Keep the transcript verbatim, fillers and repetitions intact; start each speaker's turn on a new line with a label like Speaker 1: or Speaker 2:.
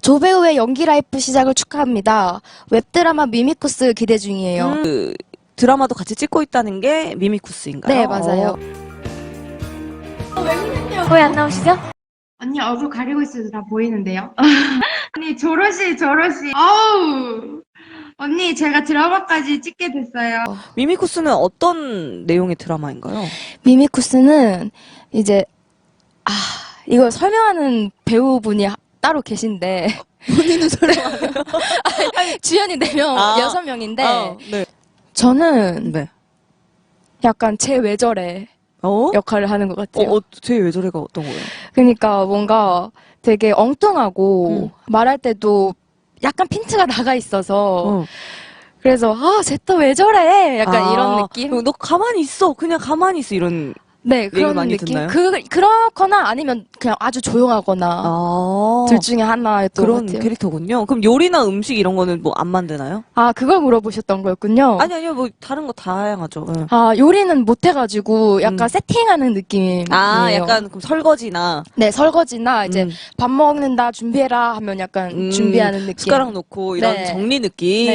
Speaker 1: 조배우의 연기 라이프 시작을 축하합니다. 웹드라마 미미쿠스 기대 중이에요.
Speaker 2: 음, 그 드라마도 같이 찍고 있다는 게 미미쿠스인가요?
Speaker 1: 네, 맞아요.
Speaker 2: 어.
Speaker 3: 왜 안 나오시죠?
Speaker 4: 언니 얼굴 가리고 있어도 다 보이는데요? 언니 저러시 저러시 아우 언니 제가 드라마까지 찍게 됐어요.
Speaker 2: 미미쿠스는 어떤 내용의 드라마인가요?
Speaker 1: 미미쿠스는 이제 아 이걸 설명하는 배우분이 하- 따로 계신데
Speaker 2: 본인은 설명하세요?
Speaker 1: 주연이 네 명,
Speaker 2: 아.
Speaker 1: 여섯 명인데
Speaker 2: 아, 네.
Speaker 1: 저는
Speaker 2: 네.
Speaker 1: 약간 제 외절의
Speaker 2: 어?
Speaker 1: 역할을 하는 것
Speaker 2: 어,
Speaker 1: 같아요.
Speaker 2: 어, 제 외절애가 어떤 거예요?
Speaker 1: 그러니까 뭔가 되게 엉뚱하고
Speaker 2: 음.
Speaker 1: 말할 때도 약간 핀트가 나가 있어서
Speaker 2: 어.
Speaker 1: 그래서 아, 쟤 또 왜 저래? 약간
Speaker 2: 아,
Speaker 1: 이런 느낌?
Speaker 2: 너 가만히 있어. 그냥 가만히 있어. 이런.
Speaker 1: 네, 그런
Speaker 2: 많이
Speaker 1: 느낌.
Speaker 2: 듣나요?
Speaker 1: 그 그렇거나 아니면 그냥 아주 조용하거나
Speaker 2: 아.
Speaker 1: 둘 중에 하나였던 것
Speaker 2: 그런
Speaker 1: 같아요.
Speaker 2: 캐릭터군요. 그럼 요리나 음식 이런 거는 뭐 안 만드나요?
Speaker 1: 아, 그걸 물어보셨던 거였군요.
Speaker 2: 아니, 아니요. 뭐 다른 거 다양하죠. 응.
Speaker 1: 아, 요리는 못 해가지고 약간
Speaker 2: 음.
Speaker 1: 세팅하는 느낌이에요.
Speaker 2: 아, 약간 그럼 설거지나
Speaker 1: 네, 설거지나 이제
Speaker 2: 음.
Speaker 1: 밥 먹는다 준비해라 하면 약간
Speaker 2: 음,
Speaker 1: 준비하는 느낌.
Speaker 2: 숟가락 놓고 이런
Speaker 1: 네.
Speaker 2: 정리 느낌.